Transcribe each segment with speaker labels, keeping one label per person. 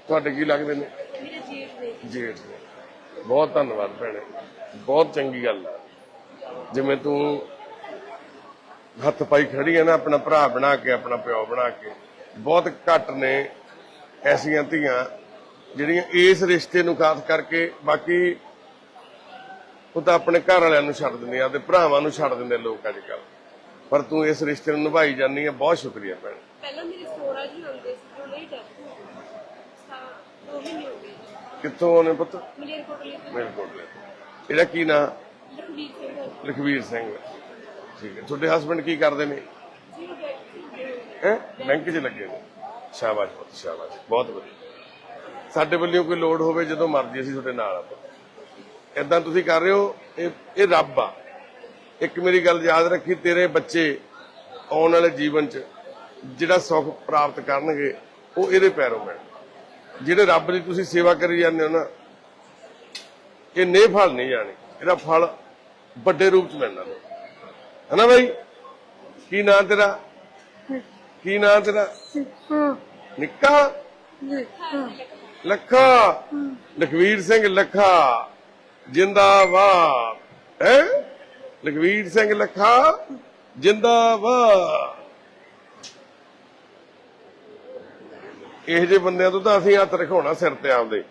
Speaker 1: ਤੁਹਾਡੇ ਕੀ ਲੱਗਦੇ ਨੇ? ਜੇਠ ਨੇ। ਬਹੁਤ ਧੰਨਵਾਦ ਭੈਣੇ, ਬਹੁਤ ਚੰਗੀ ਗੱਲ ਆ। ਜਿਵੇਂ ਤੂੰ ਹੱਥ ਪਾਈ ਖੜੀ ਹੈ ਨਾ ਆਪਣਾ ਭਰਾ ਬਣਾ ਕੇ, ਆਪਣਾ ਪਿਓ ਬਣਾ ਕੇ। ਬਹੁਤ ਘੱਟ ਨੇ ਐਸੀਆਂ ਧੀਆਂ ਜਿਹੜੀਆਂ ਇਸ ਰਿਸ਼ਤੇ ਨੂੰ ਖਾਸ ਕਰਕੇ, ਬਾਕੀ ਉਹ ਤਾਂ ਆਪਣੇ ਘਰ ਵਾਲਿਆਂ ਨੂੰ ਛੱਡ ਦਿੰਦੇ ਆ, ਆਪਦੇ ਭਰਾਵਾਂ ਨੂੰ ਛੱਡ ਦਿੰਦੇ ਲੋਕ ਅੱਜ ਕੱਲ, ਪਰ ਤੂੰ ਇਸ ਰਿਸ਼ਤੇ ਨੂੰ ਨਿਭਾਈ ਜਾਂਦੀ ਹੈ। ਬਹੁਤ ਸ਼ੁਕਰੀਆ ਭੈਣ।
Speaker 2: ਪਹਿਲਾਂ ਮੇਰੇ ਸੋਹਰਾ ਜੀ ਹੁੰਦੇ ਸੀ, ਜੋ ਲੇਟ ਹੈ 2 ਮਹੀਨੇ ਹੋ ਗਏ।
Speaker 1: ਕਿੱਥੋਂ ਆਉਣੇ ਪੁੱਤ?
Speaker 2: ਮਲੇਰਕੋਟਲੇ ਤੋਂ।
Speaker 1: ਮਲੇਰਕੋਟਲੇ। ਇਹਦਾ ਕੀ ਨਾਂ?
Speaker 2: ਲਖਵੀਰ ਸਿੰਘ।
Speaker 1: ਲਖਵੀਰ ਸਿੰਘ। ਠੀਕ ਹੈ। ਤੁਹਾਡੇ ਹਸਬੰਡ ਕੀ ਕਰਦੇ ਨੇ?
Speaker 2: ਜੀ
Speaker 1: ਬੈਂਕ 'ਚ ਲੱਗੇ ਨੇ। ਸ਼ਾਬਾਸ਼ ਪੁੱਤ, ਸ਼ਾਬਾਸ਼, ਬਹੁਤ ਵਧੀਆ। ਸਾਡੇ ਵੱਲੋਂ ਕੋਈ ਲੋੜ ਹੋਵੇ ਜਦੋਂ ਮਰਜ਼ੀ ਅਸੀਂ ਤੁਹਾਡੇ ਨਾਲ ਆ। ਏਦਾਂ ਤੁਸੀਂ ਕਰ ਰਹੇ ਹੋ, ਇਹ ਰੱਬ ਆ। ਇੱਕ ਮੇਰੀ ਗੱਲ ਯਾਦ ਰੱਖੀ, ਤੇਰੇ ਬੱਚੇ ਆਉਣ ਵਾਲੇ ਜੀਵਨ 'ਚ ਜਿਹੜਾ ਸੁੱਖ ਪ੍ਰਾਪਤ ਕਰਨਗੇ ਉਹ ਇਹਦੇ ਪੈਰੋਂ ਮਿਲਣ। ਜਿਹੜੇ ਰੱਬ ਦੀ ਤੁਸੀਂ ਸੇਵਾ ਕਰੀ ਜਾਂਦੇ ਹੋ ਨਾ, ਇਹ ਨੇ ਫਲ ਨਹੀਂ ਜਾਣੇ, ਇਹਦਾ ਫਲ ਵੱਡੇ ਰੂਪ 'ਚ ਮਿਲਣਾ ਹੈ ਨਾ ਬਾਈ? ਕੀ ਨਾਂ ਤੇਰਾ? ਕੀ ਨਾਂ ਤੇਰਾ? ਨਿੱਕਾ? ਲੱਖਾ। ਲਖਵੀਰ ਸਿੰਘ ਲੱਖਾ ਜਿੰਦਾਬਾਦ ਹੈ। ਲਖਵੀਰ ਸਿੰਘ ਲੱਖਾ ਜਿੰਦਾਬਾਦ। ਇਹੋ ਜਿਹੇ ਬੰਦਿਆਂ ਤੋਂ ਤਾਂ ਅਸੀਂ ਹੱਥ ਰਖਾਉਣਾ ਸਿਰ ਤੇ ਆਪਦੇ।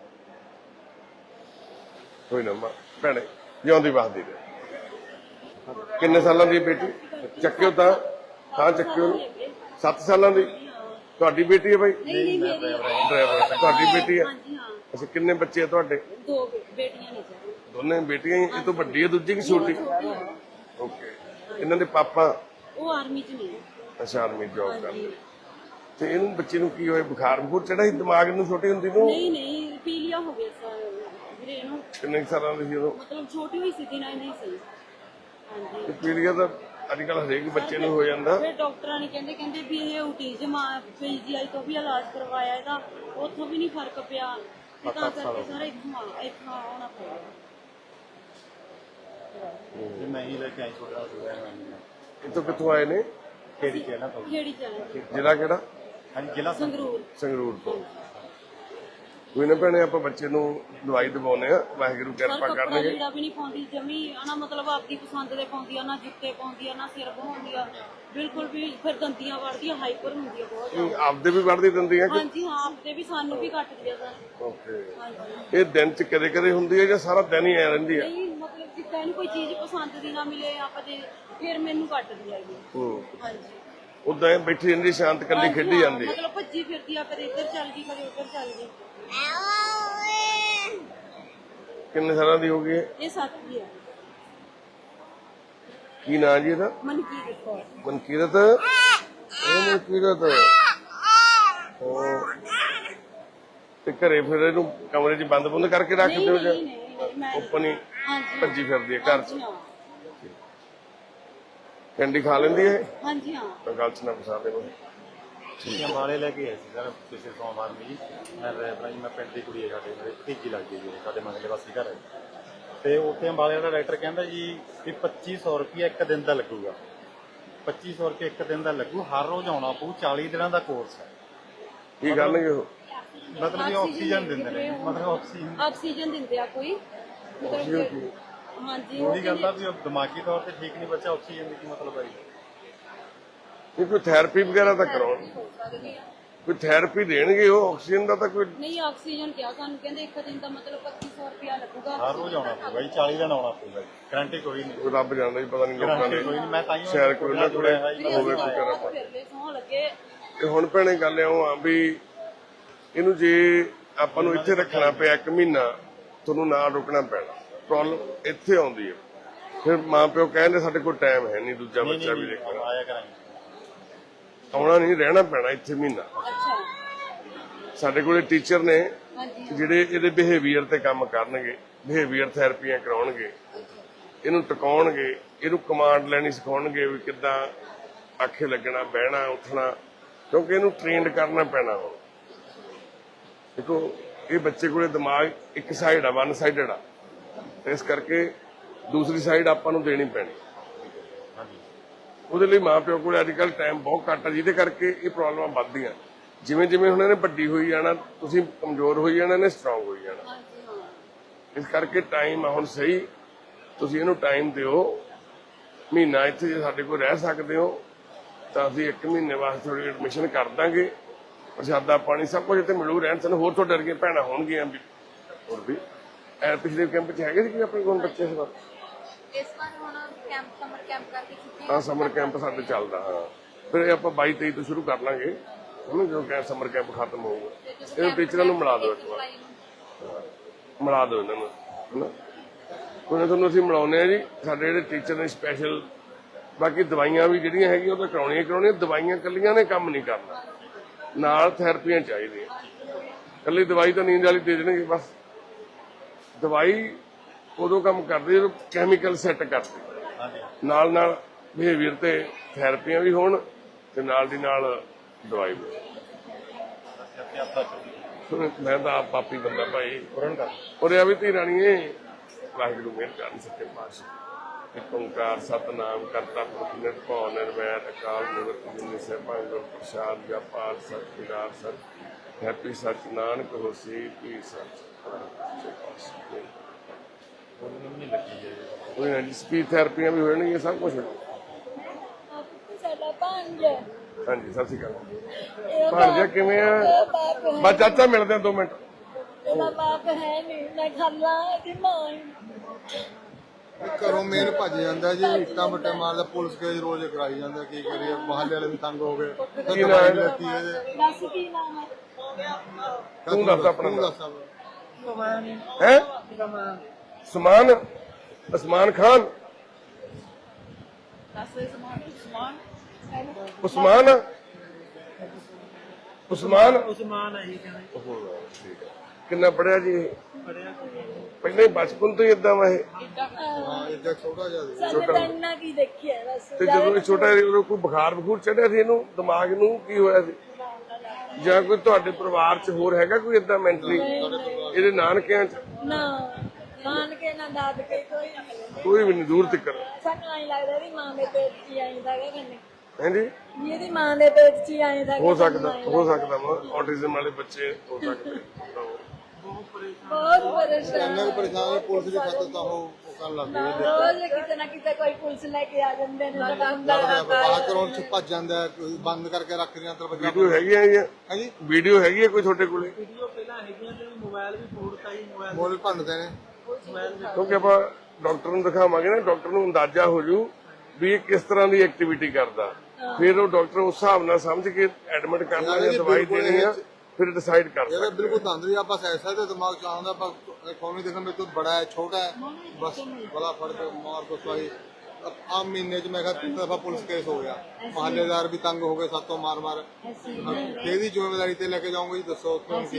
Speaker 1: ਕੋਈ ਨਾ ਭੈਣੇ, ਜਿਉਂਦੀ ਵਸਦੀ ਰਹੇ। ਕਿੰਨੇ ਸਾਲਾਂ ਦੀ ਬੇਟੀ? ਚੱਕਿਓ ਤਾਂ, ਹਾਂ ਚੱਕਿਓ। 7 ਸਾਲਾਂ ਦੀ ਤੁਹਾਡੀ ਬੇਟੀ ਹੈ ਬਾਈ? ਡਰਾਈਵਰ। ਤੁਹਾਡੀ ਬੇਟੀ ਹੈ? ਅੱਛਾ, ਕਿੰਨੇ ਬੱਚੇ ਆ ਤੁਹਾਡੇ?
Speaker 2: 2 ਬੇਟੀਆਂ ਨੇ।
Speaker 1: ਦੋਨੇ ਬੇਟੀਆਂ ਹੀ? ਇਹ ਤੋਂ ਵੱਡੀ ਹੈ ਦੂਜੀ ਕਿ ਛੋਟੀ? ਓਕੇ। ਇਹਨਾਂ ਦੇ ਪਾਪਾ?
Speaker 2: ਉਹ ਆਰਮੀ 'ਚ ਨੇ।
Speaker 1: ਅੱਛਾ, ਆਰਮੀ ਜੌਬ ਕਰਦੇ। ਤੇ ਇਹਨੂੰ ਬੱਚੇ ਨੂੰ ਕੀ ਹੋਇਆ? ਬੁਖਾਰ ਬਖੂਰ ਚੜਾ ਸੀ ਦਿਮਾਗ ਨੂੰ ਛੋਟੀ ਹੁੰਦੀ ਨੂੰ?
Speaker 2: ਨਹੀਂ ਪੀਲੀਆ ਹੋ ਗਿਆ ਵੀਰੇ ਇਹਨੂੰ।
Speaker 1: ਕਿੰਨੇ ਸਾਲਾਂ ਦੀ ਸੀ ਉਦੋਂ?
Speaker 2: ਮਤਲਬ ਛੋਟੀ ਹੋਈ ਸੀ, ਦਿਨਾਂ ਨਹੀਂ ਸੀ। ਹਾਂਜੀ।
Speaker 1: ਤੇ ਪੀਲੀਆ ਤਾਂ ਅੱਜ ਕੱਲ ਹਰੇਕ ਬੱਚੇ ਨੂੰ ਹੋ ਜਾਂਦਾ।
Speaker 2: ਫਿਰ ਡਾਕਟਰਾਂ ਨੇ ਕਹਿੰਦੇ ਵੀ ਇਹ ਔਟਿਜ਼ਮ ਆ। ਪੀਜੀਆਈ ਤੋਂ ਵੀ ਇਲਾਜ ਕਰਵਾਇਆ ਇਹਦਾ, ਉੱਥੋਂ ਵੀ ਨਹੀਂ ਫਰਕ ਪਿਆ। ਤਾਂ ਕਰਕੇ ਸਾਰਾ ਇੱਥੋਂ ਆਉਣਾ ਪਿਆ।
Speaker 3: ਮੈਂ ਹੀ ਲੈ ਕੇ ਆਈ ਛੋਟਾ
Speaker 1: ਇੱਥੋਂ ਕਿੱਥੋਂ ਆਏ ਨੇ?
Speaker 2: ਖੇੜੀ ਚਲਾ।
Speaker 1: ਜ਼ਿਲ੍ਹਾ ਕਿਹੜਾ?
Speaker 3: ਹਾਂਜੀ, ਜ਼ਿਲ੍ਹਾ
Speaker 1: ਸੰਗਰੂਰ ਤੋਂ। ਕੋਈ ਨਾ ਭੈਣੇ, ਆਪਾਂ ਬੱਚੇ ਨੂੰ ਦਵਾਈ ਦਵਾਉਨੇ ਆ, ਵਾਹਿਗੁਰੂ ਕਿਰਪਾ ਕਰਨਗੇ।
Speaker 2: ਜਿਹੜਾ ਵੀ ਨਹੀਂ ਪਾਉਂਦੀ ਜਮੀ ਨਾ, ਮਤਲਬ ਆਪਦੀ ਪਸੰਦ ਦੇ ਪਾਉਂਦੀ ਆ, ਨਾ ਜੁੱਤੇ ਪਾਉਂਦੀ ਆ, ਨਾ ਸਿਰ ਬਹਾਉਂਦੀ ਆ, ਬਿਲਕੁਲ ਵੀ। ਫਿਰ ਦੰਦੀਆਂ ਵੜਦੀ ਆ, ਹਾਈਪਰ ਹੁੰਦੀ ਆ ਬਹੁਤ।
Speaker 1: ਆਪਦੇ ਵੀ ਵੜਦੀ ਦੰਦੀਆਂ?
Speaker 2: ਹਾਂਜੀ ਹਾਂ, ਆਪਦੇ ਵੀ, ਸਾਨੂੰ ਵੀ ਕੱਟਦੀ ਆ ਸਰ।
Speaker 1: ਓਕੇ।
Speaker 2: ਹਾਂਜੀ।
Speaker 1: ਇਹ ਦਿਨ ਚ ਕਦੇ ਕਦੇ ਹੁੰਦੀ ਹੈ ਜਾਂ ਸਾਰਾ ਦਿਨ ਹੀ ਐ ਰਹਿੰਦੀ ਹੈ?
Speaker 2: ਨਹੀਂ, ਮਤਲਬ ਜਿੱਦਾਂ ਇਹਨੂੰ ਕੋਈ ਚੀਜ਼ ਪਸੰਦ ਦੀ ਨਾ ਮਿਲੇ ਆਪਾਂ ਜੇ, ਫਿਰ ਮੈਨੂੰ ਕੱਟਦੀ ਹੈਗੀ। ਹਾਂਜੀ।
Speaker 1: ਉਦਾਂ ਬੈਠੀ ਰਹਿੰਦੀ ਸ਼ਾਂਤ, ਕੱਲੀ ਖੇਡੀ ਜਾਂਦੀ ਹੈ?
Speaker 2: ਮਤਲਬ ਭੱਜੀ ਫਿਰਦੀ ਆ, ਕਦੇ ਇੱਧਰ ਚੱਲ ਗਈ, ਕਦੇ ਉੱਧਰ ਚੱਲ ਗਈ।
Speaker 1: ਕਿੰਨੇ ਸਾਲਾਂ ਦੀ ਹੋ ਗਈ ਹੈ?
Speaker 2: ਇਹ 7 ਦੀ ਆ।
Speaker 1: ਕੀ ਨਾਂ ਜੀ ਇਹਦਾ?
Speaker 2: ਮਨਕੀਰਤ ਕੌਰ।
Speaker 1: ਮਨਕੀਰਤ? ਮਨਕੀਰਤ। ਤੇ ਘਰੇ ਫਿਰ ਇਹਨੂੰ ਕਮਰੇ 'ਚ ਬੰਦ ਕਰਕੇ ਰੱਖਦੇ ਹੋ ਜਾਂ ਓਪਨ ਹੀ ਭੱਜੀ ਫਿਰਦੀ ਹੈ ਘਰ 'ਚ? ਕੈਂਡੀ ਖਾ ਲੈਂਦੀ ਹੈ?
Speaker 2: ਹਾਂਜੀ ਹਾਂ।
Speaker 1: ਤਾਂ ਗੱਲ 'ਚ ਨਾ ਫਸਾ ਦੇ।
Speaker 3: ਠੀਕ। ਅੰਬਾਲੇ ਲੈ ਕੇ ਆਏ ਸੀ ਸਰ ਪਿਛਲੇ ਸੋਮਵਾਰ ਨੂੰ ਜੀ। ਮੈਂ ਡਰਾਈਵਰ ਜੀ, ਮੈਂ ਪਿੰਡ ਦੀ ਕੁੜੀ ਹੈ, ਸਾਡੇ ਮੇਰੇ ਭਤੀਜੀ ਲੱਗਦੀ ਜੀ, ਸਾਡੇ ਮਗਲੇ ਵਾਸੀ ਘਰ ਹੈ। ਤੇ ਉੱਥੇ ਅੰਬਾਲੇ ਦਾ ਡਾਕਟਰ ਕਹਿੰਦਾ ਜੀ ਵੀ 2500 ਰੁਪਇਆ ਇੱਕ ਦਿਨ ਦਾ ਲੱਗੂਗਾ। 2500 ਰੁਪਇਆ ਇੱਕ ਦਿਨ ਦਾ ਲੱਗੂ, ਹਰ ਰੋਜ਼ ਆਉਣਾ ਪਊ। 40 ਦਿਨਾਂ ਦਾ ਕੋਰਸ ਹੈ।
Speaker 1: ਕੀ ਕਰਨਗੇ ਉਹ?
Speaker 3: ਮਤਲਬ ਕਿ ਆਕਸੀਜਨ ਦਿੰਦੇ ਨੇ, ਮਤਲਬ
Speaker 2: ਆਕਸੀਜਨ ਦਿੰਦੇ ਆ ਕੋਈ। ਮਤਲਬ ਹਾਂਜੀ,
Speaker 3: ਉਹਦੀ ਗੱਲ ਆ ਵੀ ਉਹ ਦਿਮਾਗੀ ਤੌਰ ਤੇ ਠੀਕ ਨਹੀਂ ਬੱਚਾ, ਆਕਸੀਜਨ ਦੀ ਕੀ ਮਤਲਬ ਹੈ?
Speaker 1: ਇਹ ਕੋਈ ਥੈਰੇਪੀ ਵਗੈਰਾ ਤਾਂ ਕਰਾਉਣ, ਕੋਈ ਥੈਰੇਪੀ ਦੇਣਗੇ ਉਹ? ਆਕਸੀਜਨ ਦਾ ਤਾਂ ਕੋਈ
Speaker 2: ਨਹੀਂ। ਆਕਸੀਜਨ ਕਿਹਾ ਸਾਨੂੰ, ਕਹਿੰਦੇ ਇੱਕ ਦਿਨ ਦਾ ਮਤਲਬ 2500 ਰੁਪਇਆ ਲੱਗੂਗਾ।
Speaker 3: ਹਰ ਰੋਜ਼ ਆਉਣਾ ਪਊਗਾ ਜੀ, 40 ਦਿਨ ਆਉਣਾ ਪਊਗਾ ਜੀ। ਗਰੰਟੀ ਕੋਈ ਨਹੀਂ।
Speaker 1: ਰੱਬ ਜਾਣਦਾ ਜੀ, ਪਤਾ ਨਹੀਂ ਲੋਕਾਂ
Speaker 3: ਗਰੰਟੀ ਕੋਈ ਨਹੀਂ। ਮੈਂ ਤਾਂ ਹੀ
Speaker 1: ਸ਼ਾਇਦ ਕੋਈ ਨਾ ਕੋਈ ਹੋਵੇ ਕੋਈ ਕਰਾ।
Speaker 2: ਸੌਂ ਲੱਗੇ।
Speaker 1: ਤੇ ਹੁਣ ਭੈਣੇ ਗੱਲ ਇਉਂ ਆ ਵੀ ਇਹਨੂੰ ਜੇ ਆਪਾਂ ਨੂੰ ਇੱਥੇ ਰੱਖਣਾ ਪਿਆ 1 ਮਹੀਨਾ, ਤੁਹਾਨੂੰ ਨਾਲ ਰੁਕਣਾ ਪੈਣਾ। ਪ੍ਰੋਬਲਮ ਇੱਥੇ ਆਉਂਦੀ ਹੈ। ਫਿਰ ਮਾਂ ਪਿਓ ਕਹਿੰਦੇ ਸਾਡੇ ਕੋਲ ਟਾਈਮ ਹੈ ਨਹੀਂ ਦੂਜਾ ਬੱਚਾ ਵੀ ਦੇਖਣਾ।
Speaker 3: ਆਇਆ ਕਰਾਂਗੇ।
Speaker 1: ਆਉਣਾ ਨਹੀਂ, ਰਹਿਣਾ ਪੈਣਾ ਇੱਥੇ ਮਹੀਨਾ।
Speaker 2: ਅੱਛਾ।
Speaker 1: ਸਾਡੇ ਕੋਲੇ ਟੀਚਰ ਨੇ
Speaker 2: ਹਾਂਜੀ।
Speaker 1: ਜਿਹੜੇ ਇਹਦੇ ਬਿਹੇਵੀਅਰ ਤੇ ਕੰਮ ਕਰਨਗੇ, ਬਿਹੇਵੀਅਰ ਥੈਰੇਪੀਆਂ ਕਰਾਉਣਗੇ, ਇਹਨੂੰ ਟਿਕਾਉਣਗੇ, ਇਹਨੂੰ ਕਮਾਂਡ ਲੈਣੀ ਸਿਖਾਉਣਗੇ ਵੀ ਕਿੱਦਾਂ ਆਖੇ ਲੱਗਣਾ, ਬਹਿਣਾ, ਉੱਠਣਾ, ਕਿਉਂਕਿ ਇਹਨੂੰ ਟ੍ਰੇਨਡ ਕਰਨਾ ਪੈਣਾ। ਹੁਣ ਦੇਖੋ, ਇਹ ਬੱਚੇ ਕੋਲੇ ਦਿਮਾਗ ਇੱਕ ਸਾਈਡ ਆ, 1 ਸਾਈਡਡ ਆ, ਇਸ ਕਰਕੇ ਦੂਸਰੀ ਸਾਈਡ ਆਪਾਂ ਨੂੰ ਦੇਣੀ ਪੈਣੀ। ਉਹਦੇ ਲਈ ਮਾਂ ਪਿਓ ਕੋਲ ਅੱਜ ਕੱਲ੍ਹ ਟਾਈਮ ਬਹੁਤ ਘੱਟ ਆ, ਜਿਹਦੇ ਕਰਕੇ ਇਹ ਪ੍ਰੋਬਲਮਾਂ ਵੱਧਦੀਆਂ। ਜਿਵੇਂ ਜਿਵੇਂ ਹੁਣ ਇਹਨੇ ਵੱਡੀ ਹੋਈ ਜਾਣਾ, ਤੁਸੀਂ ਕਮਜ਼ੋਰ ਹੋਈ ਜਾਣਾ, ਇਹਨੇ ਸਟਰੋਂਗ ਹੋਈ ਜਾਣਾ।
Speaker 2: ਹਾਂਜੀ ਹਾਂ
Speaker 1: ਇਸ ਕਰਕੇ ਟਾਈਮ ਆ ਹੁਣ ਸਹੀ, ਤੁਸੀਂ ਇਹਨੂੰ ਟਾਈਮ ਦਿਓ। ਮਹੀਨਾ ਇੱਥੇ ਜੇ ਸਾਡੇ ਕੋਲ ਰਹਿ ਸਕਦੇ ਹੋ ਤਾਂ ਅਸੀਂ 1 ਮਹੀਨੇ ਵਾਸਤੇ ਤੁਹਾਡੀ ਐਡਮਿਸ਼ਨ ਕਰ ਦਾਂਗੇ। ਪ੍ਰਸ਼ਾਦਾ ਪਾਣੀ ਸਭ ਕੁਝ ਇੱਥੇ ਮਿਲੂ, ਰਹਿਣ ਸਹਿਣ। ਹੋਰ ਤੋਂ ਡਰ ਕੇ ਭੈਣਾਂ ਹੋਣਗੀਆਂ ਵੀ, ਹੋਰ ਵੀ ਪਿਛਲੇ ਕੈਂਪ 'ਚ ਹੈਗੇ ਸੀ ਕਿ ਆਪਣੇ ਕੋਲ ਬੱਚੇ ਇਸ ਵਾਰ?
Speaker 4: ਇਸ ਵਾਰ ਹੁਣ ਕੈਂਪ ਸਮਰ ਕੈਂਪ ਕਰਕੇ ਛੁੱਟੀਆਂ
Speaker 1: ਹਾਂ ਸਮਰ ਕੈਂਪ ਸਾਡੇ ਚੱਲਦਾ। ਹਾਂ ਫਿਰ ਇਹ ਆਪਾਂ 22-23 ਤੋਂ ਸ਼ੁਰੂ ਕਰ ਲਾਂਗੇ ਹੁਣ, ਜਦੋਂ ਸਮਰ ਕੈਂਪ ਖਤਮ ਹੋਊਗਾ। ਇਹਨੂੰ ਟੀਚਰਾਂ ਨੂੰ ਮਿਲਾ ਦਿਓ, ਇੱਕ ਵਾਰ ਮਿਲਾ ਦਿਓ ਇਹਨਾਂ ਨੂੰ, ਹਨਾ। ਕੋਈ ਨਾ ਤੁਹਾਨੂੰ ਅਸੀਂ ਮਿਲਾਉਂਦੇ ਆ ਜੀ। ਸਾਡੇ ਜਿਹੜੇ ਟੀਚਰ ਨੇ ਸਪੈਸ਼ਲ, ਬਾਕੀ ਦਵਾਈਆਂ ਵੀ ਜਿਹੜੀਆਂ ਹੈਗੀਆਂ ਉਹ ਤਾਂ ਕਰਾਉਣੀਆਂ। ਦਵਾਈਆਂ ਕੱਲੀਆਂ ਨੇ ਕੰਮ ਨਹੀਂ ਕਰਨਾ, ਨਾਲ ਥੈਰੇਪੀਆਂ ਚਾਹੀਦੀਆਂ। ਕੱਲੀ ਦਵਾਈ ਤਾਂ ਨੀਂਦ ਵਾਲੀ ਦੇ ਦੇਣਗੇ ਬਸ। ਦਵਾਈ ਉਦੋਂ ਕੰਮ ਕਰਦੀ ਜਦੋਂ ਕੈਮੀਕਲ ਸੈੱਟ ਕਰਦੇ, ਨਾਲ ਨਾਲ ਬਿਹੇਵੀਅਰ ਤੇ ਥੈਰੇਪੀਆਂ ਵੀ ਹੋਣ ਤੇ ਨਾਲ ਦੀ ਨਾਲ ਦਵਾਈ ਵੀ। ਮੈਂ ਤਾਂ ਆਪ ਪਾਪੀ ਬੰਦਾ ਭਾਈ, ਔਰ ਇਹ ਵੀ ਧੀ ਰਾਣੀਏ, ਵਾਹਿਗੁਰੂ ਮਿਹਰ ਕਰਨ ਸੱਚੇ ਪਾਤਸ਼ਾਹ। ਇੱਕ ਓਂਕਾਰ ਸਤਿਨਾਮ ਕਰਤਾ ਪੁਰਖ ਨਿਰਭਉ ਨਿਰਵੈਰ ਅਕਾਲ ਮੂਰਤ ਅਜੂਨੀ ਸੈਭੰ ਗੁਰ ਪ੍ਰਸਾਦ ਜਪਾਰ ਸਤਿ ਵਿਰਾਰ ਸਤਿ ਹੈਪੀ ਸੱਚ ਨਾਨਕ ਹੋਸੀ ਪੀ ਸੱਚ। ਕੋਈ ਨਾ ਜੀ, ਸਪੀਚ ਥੈਰੇਪੀਆਂ ਵੀ ਹੋਣਗੀਆਂ, ਸਭ ਕੁਝ ਹੋਣਾ।
Speaker 4: ਸਾਡਾ ਪੰਜ
Speaker 1: ਹਾਂਜੀ ਸਤਿ ਸ਼੍ਰੀ ਅਕਾਲ। ਭਾਣਜਾ ਕਿਵੇਂ ਆ? ਬਸ ਚਾਚਾ ਮਿਲਦੇ ਆ 2 ਮਿੰਟ।
Speaker 4: ਇਹਦਾ ਬਾਪ ਹੈ ਨਹੀਂ, ਮੈਂ ਖਾਲਾ ਇਹਦੀ ਮਾਂ ਹੀ।
Speaker 5: ਘਰੋਂ ਮੇਨ ਭੱਜ ਜਾਂਦਾ ਜੀ, ਇੱਟਾਂ ਬੱਟੇ ਮਾਰਦਾ, ਪੁਲਿਸ ਕੇਸ ਰੋਜ਼ ਕਰਾਈ ਜਾਂਦਾ। ਕੀ ਕਰੀਏ, ਮਹੱਲੇ ਵਾਲੇ ਵੀ ਤੰਗ ਹੋ ਗਏ।
Speaker 1: ਕੀ ਨਾਮ ਹੈ?
Speaker 4: ਦੱਸ ਕੀ ਨਾਮ ਹੈ?
Speaker 1: ਤੂੰ ਦੱਸ ਆਪਣਾ ਨਾਮ।
Speaker 5: ਦੱਸ
Speaker 1: ਹੈ ਸਮਾਨ, ਉਸਮਾਨ ਖਾਨ। ਉਸਮਾਨ ਉਸਮਾਨ
Speaker 6: ਉਸਮਾਨ ਹੈ ਜੀ ਕਹਿੰਦੇ।
Speaker 1: ਠੀਕ ਹੈ। ਕਿੰਨਾ ਪੜਿਆ ਜੀ ਇਹ? ਪਹਿਲਾਂ ਹੀ ਬਚਪਨ ਤੋਂ ਹੀ ਇਦਾਂ ਵਾ ਇਹ?
Speaker 5: ਹਾਂ ਇੱਦਾਂ ਛੋਟਾ ਜਿਹਾ ਸੀ।
Speaker 4: ਸਾਡੇ ਤਾਂ ਇੰਨਾ ਕੀ ਦੇਖਿਆ ਬਸ।
Speaker 1: ਤੇ ਜਦੋਂ ਇਹ ਛੋਟਾ ਸੀ ਉਦੋਂ ਕੋਈ ਬੁਖਾਰ ਚੜਿਆ ਸੀ ਇਹਨੂੰ? ਦਿਮਾਗ ਨੂੰ ਕੀ ਹੋਇਆ ਸੀ? ਜਾਂ ਕੋਈ ਤੁਹਾਡੇ ਪਰਿਵਾਰ 'ਚ ਹੋਰ ਹੈਗਾ ਕੋਈ ਇਦਾਂ ਮੈਂਟਲੀ? ਇਹਦੇ ਨਾਨਕਿਆਂ 'ਚ
Speaker 4: ਨਾ ਨਾਨਕੇ ਨਾ ਦਾਦਕੇ ਕੋਈ ਨਾ ਮਿਲੇ।
Speaker 1: ਕੋਈ ਵੀ ਨਹੀਂ ਦੂਰ ਤੱਕ?
Speaker 4: ਸਾਨੂੰ ਆਈ ਲੱਗਦਾ ਵੀ ਮਾਂ ਦੇ ਪੇਟ 'ਚ ਹੀ ਆਈਂਦਾ ਹੈਗਾ ਕੰਨੇ।
Speaker 1: ਹਾਂਜੀ
Speaker 4: ਵੀ ਇਹਦੀ ਮਾਂ ਦੇ ਪੇਟ 'ਚ ਹੀ ਆਈਂਦਾ।
Speaker 1: ਹੋ ਸਕਦਾ ਆਟਿਜ਼ਮ ਵਾਲੇ ਬੱਚੇ ਹੋ ਸਕਦੇ।
Speaker 4: ਬਹੁਤ ਪਰੇਸ਼ਾਨ।
Speaker 5: ਇੰਨਾ ਕੁ ਪਰੇਸ਼ਾਨ ਹੈ, ਪੁਲਿਸ ਦੀ ਖਾਤਰ ਤਾਂ ਉਹ ਕਰਨ ਲੱਗ ਗਏ।
Speaker 4: ਰੋਜ਼ ਕਿਤੇ ਨਾ ਕਿਤੇ ਕੋਈ ਪੁਲਿਸ ਲੈ ਕੇ ਆ ਜਾਂਦੇ ਨੇ।
Speaker 5: ਬਾਹਰ ਕਰੋਂ ਚ ਭੱਜ ਜਾਂਦਾ, ਕੋਈ ਬੰਦ ਕਰਕੇ ਰੱਖ ਦਿਆਂ ਅੰਦਰ ਬੱਚਾ।
Speaker 1: ਵੀਡੀਓ ਹੈਗੀ ਹੈ ਜੀ?
Speaker 5: ਹਾਂਜੀ
Speaker 1: ਵੀਡੀਓ ਹੈਗੀ ਹੈ ਕੋਈ ਤੁਹਾਡੇ ਕੋਲੇ?
Speaker 6: ਵੀਡੀਓ ਪਹਿਲਾਂ ਹੈਗੀਆਂ ਤੇ ਮੋਬਾਈਲ ਵੀ ਫੋੜਤਾ ਜੀ।
Speaker 5: ਮੋਲ ਭੰਨਦੇ ਨੇ।
Speaker 1: ਕਿਉਂਕਿ ਆਪਾਂ ਡਾਕਟਰ ਨੂੰ ਦਿਖਾਵਾਂਗੇ ਨਾ, ਡਾਕਟਰ ਨੂੰ ਅੰਦਾਜ਼ਾ ਹੋ ਜੂ ਵੀ ਇਹ ਕਿਸ ਤਰ੍ਹਾਂ ਦੀ ਐਕਟੀਵਿਟੀ ਕਰਦਾ। ਫਿਰ ਉਹ ਡਾਕਟਰ ਉਸ ਹਿਸਾਬ ਨਾਲ ਸਮਝ ਕੇ ਐਡਮਿਟ ਕਰਨਾ ਜਾਂ ਦਵਾਈ ਦੇਣੀ ਆ, ਫਿਰ ਡਿਸਾਈਡ ਕਰ
Speaker 5: ये
Speaker 1: ਸਕਦਾ।
Speaker 5: बिल्कुल तंदुरुस्त है, बस ऐसा तो दिमाग चाहता बस कौन देखने में तो बड़ा है छोटा है, बस बड़ा फर्क मार को सही। अब आम महीने च मैं 3 दफा पुलिस केस हो गया, मोहल्लेदार भी तंग हो गए, सातों मार मार। तेरी जिम्मेदारी ते लेके जाऊंगी, दसो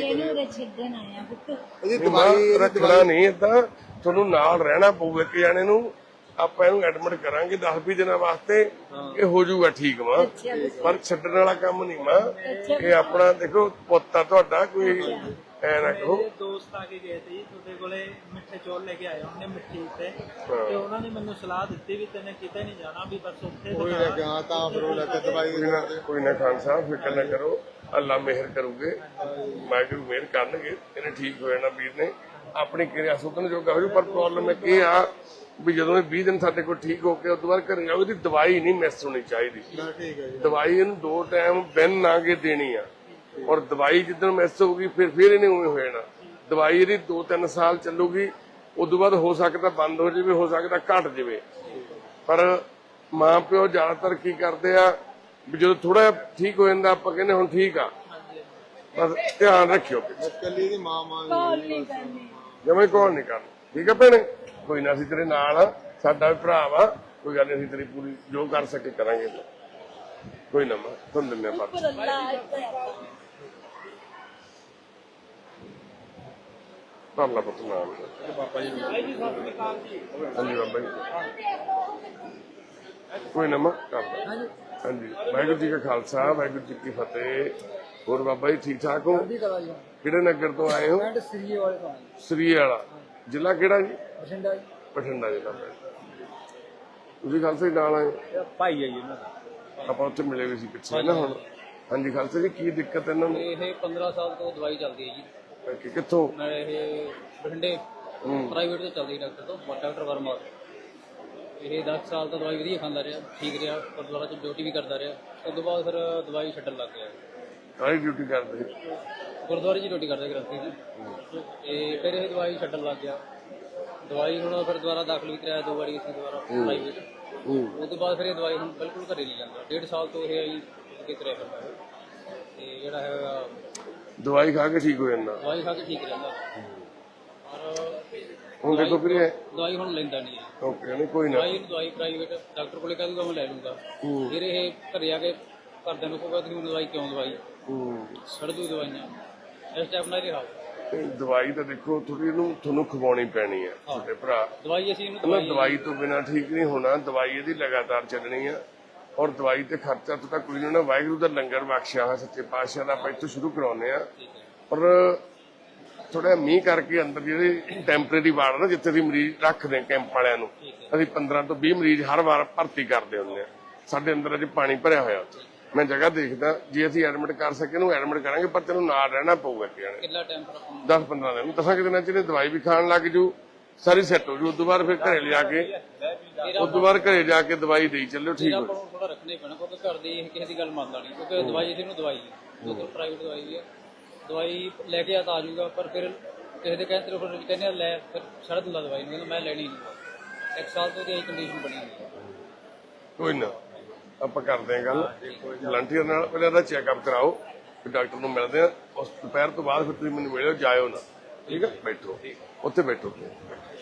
Speaker 1: ਰੱਖਣਾ ਨਹੀਂ ਏਦਾਂ, ਤੁਹਾਨੂੰ ਨਾਲ ਰਹਿਣਾ ਪਊ ਇੱਕ ਜਾਣੇ ਨੂੰ। ਆਪਾਂ ਇਹਨੂੰ ਐਡਮਿਟ ਕਰਾਂਗੇ 10-20 ਦਿਨਾਂ ਵਾਸਤੇ, ਇਹ ਹੋ ਜਾਊਗਾ ਠੀਕ ਵਾ। ਪਰ ਛੱਡਣ ਵਾਲਾ ਕੰਮ ਨਹੀਂ ਵਾ ਇਹ। ਆਪਣਾ ਦੇਖੋ ਪੁੱਤ ਆ ਤੁਹਾਡਾ, ਕੋਈ ਐ ਨਾ ਕਹੋ।
Speaker 6: ਮੇਰੇ ਦੋਸਤ ਆ ਕੇ ਗਏ ਤੇ ਜੀ ਤੁਹਾਡੇ ਕੋਲੇ ਮਿੱਠੇ ਚੌਲ ਲੈ ਕੇ ਆਏ ਉਹਨੇ ਮਿੱਠੀ ਤੇ ਉਹਨਾਂ ਨੇ ਮੈਨੂੰ ਸਲਾਹ ਦਿੱਤੀ ਵੀ ਤੈਨੇ ਕਿਤੇ ਨਹੀਂ ਜਾਣਾ, ਵੀ ਬਸ ਉੱਥੇ
Speaker 5: कोई लेके हाँ ता फिर वो लेके दवाई
Speaker 1: ਕੋਈ ਨਾ ਖਾਨ ਸਾਹਿਬ ਫਿਕਰ ਨਾ ਕਰੋ, ਅੱਲਾ ਮਿਹਰ ਕਰੂਗੇ, ਵਾਹਿਗੁਰੂ ਮਿਹਰ ਕਰਨਗੇ। ਇਹਨੇ ਠੀਕ ਹੋ ਜਾਣਾ ਵੀਰ ਨੇ, ਆਪਣੀ ਕਿਰਿਆ ਸੁਧਨ ਜੋਗਾ ਹੋ ਜੂ। ਪਰ ਪ੍ਰੋਬਲਮ ਇਹ ਆ ਵੀ ਜਦੋਂ ਇਹ 20 ਦਿਨ ਸਾਡੇ ਕੋਲ ਠੀਕ ਹੋ ਕੇ ਉਸ ਤੋਂ ਬਾਅਦ ਘਰੇ ਜਾਓ, ਇਹਦੀ ਦਵਾਈ ਨਹੀਂ ਮਿਸ ਹੋਣੀ ਚਾਹੀਦੀ।
Speaker 5: ठीक है जी।
Speaker 1: ਦਵਾਈ ਇਹਨੂੰ 2 ਟਾਈਮ ਬਿਨ ਨਾ ਕੇ ਦੇਣੀ ਆ, ਔਰ ਦਵਾਈ ਜਿੱਦਣ ਮਿਸ ਹੋਊਗੀ ਫਿਰ ਇਹਨੇ ਉਵੇਂ ਹੋ ਜਾਣਾ। ਦਵਾਈ ਇਹਦੀ 2-3 ਸਾਲ ਚੱਲੂਗੀ, ਉਸ ਤੋਂ ਬਾਅਦ ਹੋ ਸਕਦਾ ਬੰਦ ਹੋ ਜਾਵੇ, ਹੋ ਸਕਦਾ ਘਟ ਜਾਵੇ। ਪਰ ਮਾਂ ਪਿਓ ਜ਼ਿਆਦਾਤਰ ਕੀ ਕਰਦੇ ਆ ਵੀ ਜਦੋਂ ਥੋੜਾ ਠੀਕ ਹੋ ਜਾਂਦਾ ਆਪਾਂ ਕਹਿੰਦੇ ਹੁਣ ਠੀਕ ਆ, ਬਸ ਧਿਆਨ ਰੱਖਿਓ।
Speaker 5: कली दी मां मां
Speaker 4: ਨਹੀਂ ਕਰਨੀ।
Speaker 1: ਜਿਵੇਂ ਕੋਲ ਨਹੀਂ ਕਰਨਾ, ਠੀਕ ਆ ਭੈਣੇ? ਕੋਈ ਨਾ, ਅਸੀਂ ਤੇਰੇ ਨਾਲ ਆ, ਸਾਡਾ ਵੀ ਭਰਾ ਵਾ, ਕੋਈ ਗੱਲ ਨਹੀਂ, ਅਸੀਂ ਤੇਰੀ ਪੂਰੀ ਜੋ ਕਰ ਸਕੇ ਕਰਾਂਗੇ। ਕੋਈ ਨਾ ਮਾਂ, ਤੁਹਾਨੂੰ ਦਿੰਦੇ ਆ ਪਰ
Speaker 4: ਪਰ ਅੱਲਾਹ
Speaker 1: ਕਰ ਲਾ ਪੁੱਤ ਨਾਮ। ਹਾਂਜੀ ਬਾਬਾ ਜੀ। ਕੋਈ ਨਾ ਮਾਂ ਕਰ ਲਾ। ਹਾਂਜੀ, ਵਾਹਿਗੁਰੂ ਜੀ ਕਾ ਖਾਲਸਾ, ਵਾਹਿਗੁਰੂ ਜੀ ਕੀ ਫਤਿਹ। ਹੋਰ ਬਾਬਾ ਜੀ ਠੀਕ ਠਾਕ ਹੋ? ਕਿਹੜੇ ਨਗਰ ਤੋਂ ਆਏ ਹੋ? ਸਰੀਏ ਵਾਲਾ। ਜ਼ਿਲ੍ਹਾ ਕਿਹੜਾ ਜੀ? ਬਠਿੰਡਾ ਜ਼ਿਲ੍ਹਾ। ਤੁਸੀਂ ਖਾਲਸਾ ਜੀ ਨਾਲ ਆਏ?
Speaker 3: ਭਾਈ ਹੈ ਜੀ ਉਹਨਾਂ ਦਾ।
Speaker 1: ਆਪਾਂ ਉੱਥੇ ਮਿਲੇ ਵੀ ਸੀ ਪਿੱਛੇ ਨਾ। ਹੁਣ ਹਾਂਜੀ ਖਾਲਸਾ ਜੀ, ਕੀ ਦਿੱਕਤ ਇਹਨਾਂ ਨੂੰ?
Speaker 7: ਇਹ 15 ਸਾਲ ਤੋਂ ਦਵਾਈ ਚੱਲਦੀ ਹੈ ਜੀ।
Speaker 1: ਕਿੱਥੋਂ?
Speaker 7: ਮੈਂ ਇਹ ਬਠਿੰਡੇ ਪ੍ਰਾਈਵੇਟ ਤੋਂ ਚੱਲਦੀ ਡਾਕਟਰ ਤੋਂ, ਡਾਕਟਰ ਵਰਮਾ। ਇਹ 10 ਸਾਲ ਤੋਂ ਦਵਾਈ ਵਧੀਆ ਖਾਂਦਾ ਰਿਹਾ, ਠੀਕ ਰਿਹਾ, ਗੁਰਦੁਆਰਾ 'ਚ ਡਿਊਟੀ ਵੀ ਕਰਦਾ ਰਿਹਾ। ਉਸ ਤੋਂ ਬਾਅਦ ਫਿਰ ਦਵਾਈ ਛੱਡਣ ਲੱਗ ਗਿਆ।
Speaker 1: ਕਾਹਦੀ ਡਿਊਟੀ ਕਰਦੇ?
Speaker 7: ਗੁਰਦੁਆਰੇ 'ਚ ਡਿਊਟੀ ਕਰਦਾ ਗ੍ਰੰਥੀ ਜੀ। ਤੇ ਫਿਰ ਇਹ ਦਵਾਈ ਛੱਡਣ ਲੱਗ ਗਿਆ। ਦਵਾਈ ਹੁਣ ਫਿਰ ਦੁਬਾਰਾ ਦਾਖਲ ਵੀ ਕਰਾਇਆ 2 ਵਾਰੀ ਅਸੀਂ ਦੁਬਾਰਾ ਪ੍ਰਾਈਵੇਟ। ਉਸ ਤੋਂ ਬਾਅਦ ਫਿਰ ਇਹ ਦਵਾਈ ਹੁਣ ਬਿਲਕੁਲ ਘਰੇ ਨਹੀਂ ਜਾਂਦਾ। 1.5 ਸਾਲ ਤੋਂ ਇਹ ਆਈ ਅੱਗੇ ਤੁਰਿਆ ਫਿਰਦਾ ਹੈ। ਤੇ ਜਿਹੜਾ ਹੈਗਾ
Speaker 1: ਦਵਾਈ ਖਾ ਕੇ ਠੀਕ ਹੋ ਜਾਂਦਾ?
Speaker 7: ਦਵਾਈ ਖਾ ਕੇ ਠੀਕ ਰਹਿੰਦਾ। ਔਰ
Speaker 1: ਹੁਣ ਦੇਖੋ ਵੀਰੇ,
Speaker 7: ਦਵਾਈ ਹੁਣ ਲੈਂਦਾ ਨਹੀਂ ਹੈ।
Speaker 1: ਓਕੇ, ਨਹੀਂ ਕੋਈ ਨਾ।
Speaker 7: ਦਵਾਈ ਪ੍ਰਾਈਵੇਟ ਡਾਕਟਰ ਕੋਲੇ ਕਹਿ ਦੂਗਾ ਮੈਂ ਲੈ ਲੂੰਗਾ। ਫਿਰ ਇਹ ਘਰੇ ਆ ਕੇ ਘਰਦਿਆਂ ਨੂੰ ਕਹੂਗਾ ਤੁਸੀਂ ਦਵਾਈ ਕਿਉਂ ਦਵਾਈ ਛੱਡ ਦੂ ਦਵਾਈਆਂ। ਇਸ ਟਾਈਪ ਨਾਲ ਰਿਹਾ।
Speaker 1: ਦਵਾਈ ਤਾਂ ਦੇਖੋ ਥੋੜੀ ਇਹਨੂੰ ਤੁਹਾਨੂੰ ਖਵਾਉਣੀ ਪੈਣੀ ਹੈ ਤੁਹਾਡੇ ਭਰਾ।
Speaker 7: ਦਵਾਈ ਅਸੀਂ ਇਹਨੂੰ
Speaker 1: ਕਹਿੰਦਾ ਦਵਾਈ ਤੋਂ ਬਿਨਾ ਠੀਕ ਨਹੀਂ ਹੋਣਾ, ਦਵਾਈ ਇਹਦੀ ਲਗਾਤਾਰ ਚੱਲਣੀ ਆ। ਔਰ ਦਵਾਈ ਤੇ ਖਰਚਾ ਤਾਂ ਕੋਈ ਨਹੀਂ ਹੋਣਾ। ਵਾਹਿਗੁਰੂ ਦਾ ਲੰਗਰ ਬਖਸ਼ਿਆ ਹੋਇਆ ਸੱਚੇ ਪਾਤਸ਼ਾਹ ਦਾ, ਆਪਾਂ ਇੱਥੋਂ ਸ਼ੁਰੂ ਕਰਾਉਂਦੇ ਆ। ਪਰ ਥੋੜਾ ਮੀਂਹ ਕਰਕੇ ਅੰਦਰ ਜਿਹੜੇ ਟੈਂਪਰੇਰੀ ਵਾਰਡ ਨਾ ਜਿੱਥੇ ਅਸੀਂ ਮਰੀਜ਼ ਰੱਖਦੇ ਕੈਂਪ ਵਾਲਿਆਂ ਨੂੰ, ਅਸੀਂ 15 ਤੋਂ 20 ਮਰੀਜ਼ ਹਰ ਵਾਰ ਭਰਤੀ ਕਰਦੇ ਹੁੰਦੇ ਆ। ਸਾਡੇ ਅੰਦਰ ਅਜੇ ਪਾਣੀ ਭਰਿਆ ਹੋਇਆ। ਮੈਂ ਜਗ੍ਹਾ ਦੇਖਦਾ, ਜੇ ਅਸੀਂ ਐਡਮਿਟ ਕਰ ਸਕੇ ਨੂੰ ਐਡਮਿਟ ਕਰਾਂਗੇ, ਪਰ ਤੈਨੂੰ ਨਾਲ ਰਹਿਣਾ ਪਊਗਾ।
Speaker 7: ਕਿੰਨਾ ਟਾਈਮ ਪਰ ਆਪਾਂ
Speaker 1: 10-15 ਦਿਨ, 10 ਦਿਨਾਂ ਚ ਇਹਨੇ ਦਵਾਈ ਵੀ ਖਾਣ ਲੱਗ ਜੂ, ਸਾਰੀ ਸੈੱਟ ਹੋ ਜੂ। ਉਸ ਤੋਂ ਬਾਅਦ ਫਿਰ ਘਰੇ ਲਿਆ ਕੇ, ਉਸ ਤੋਂ ਬਾਅਦ ਘਰੇ ਜਾ ਕੇ ਦਵਾਈ ਦੇਈ ਚੱਲਿਓ, ਠੀਕ ਹੋ।
Speaker 7: ਆਪਾਂ ਨੂੰ ਥੋੜਾ ਰੱਖਣਾ ਹੀ ਪੈਣਾ, ਕਿਉਂਕਿ ਘਰ ਦੀ ਇਹ ਕਿਸੇ ਦੀ ਗੱਲ ਮੰਨਦਾ ਨਹੀਂ। ਕਿਉਂਕਿ ਦਵਾਈ ਇਹਨੂੰ ਦਵਾਈ ਹੈ, ਜੋ ਪ੍ਰਾਈਵੇਟ ਦਵਾਈ ਵੀ ਹੈ। ਦਵਾਈ ਲੈ ਕੇ ਆ ਤਾਂ ਆ ਜਾਊਗਾ, ਪਰ ਫਿਰ ਕਿਸੇ ਦੇ ਕਹਿੰਦੇ ਫਿਰ ਕਹਿੰਦੇ ਲੈ, ਫਿਰ ਛੱਡ ਦਿੰਦਾ ਦਵਾਈ ਨੂੰ, ਮੈਂ ਲੈਣੀ ਨਹੀਂ। 1 ਸਾਲ ਤੋਂ ਇਹਦੀ ਕੰਡੀਸ਼ਨ ਬਣੀ ਹੋਈ ਹੈ।
Speaker 1: ਕੋਈ ਨਾ, ਆਪਾਂ ਕਰਦੇ ਹਾਂ ਗੱਲ ਵਲੰਟੀਅਰ ਨਾਲ। ਪਹਿਲਾਂ ਇਹਦਾ ਚੈੱਕਅਪ ਕਰਾਓ, ਫਿਰ ਡਾਕਟਰ ਨੂੰ ਮਿਲਦੇ ਆ। ਉਸ ਦੁਪਹਿਰ ਤੋਂ ਬਾਅਦ ਫਿਰ ਤੁਸੀਂ ਮੈਨੂੰ ਮਿਲਿਓ, ਜਾਇਓ ਨਾ, ਠੀਕ ਹੈ? ਬੈਠੋ ਉੱਥੇ, ਬੈਠੋ।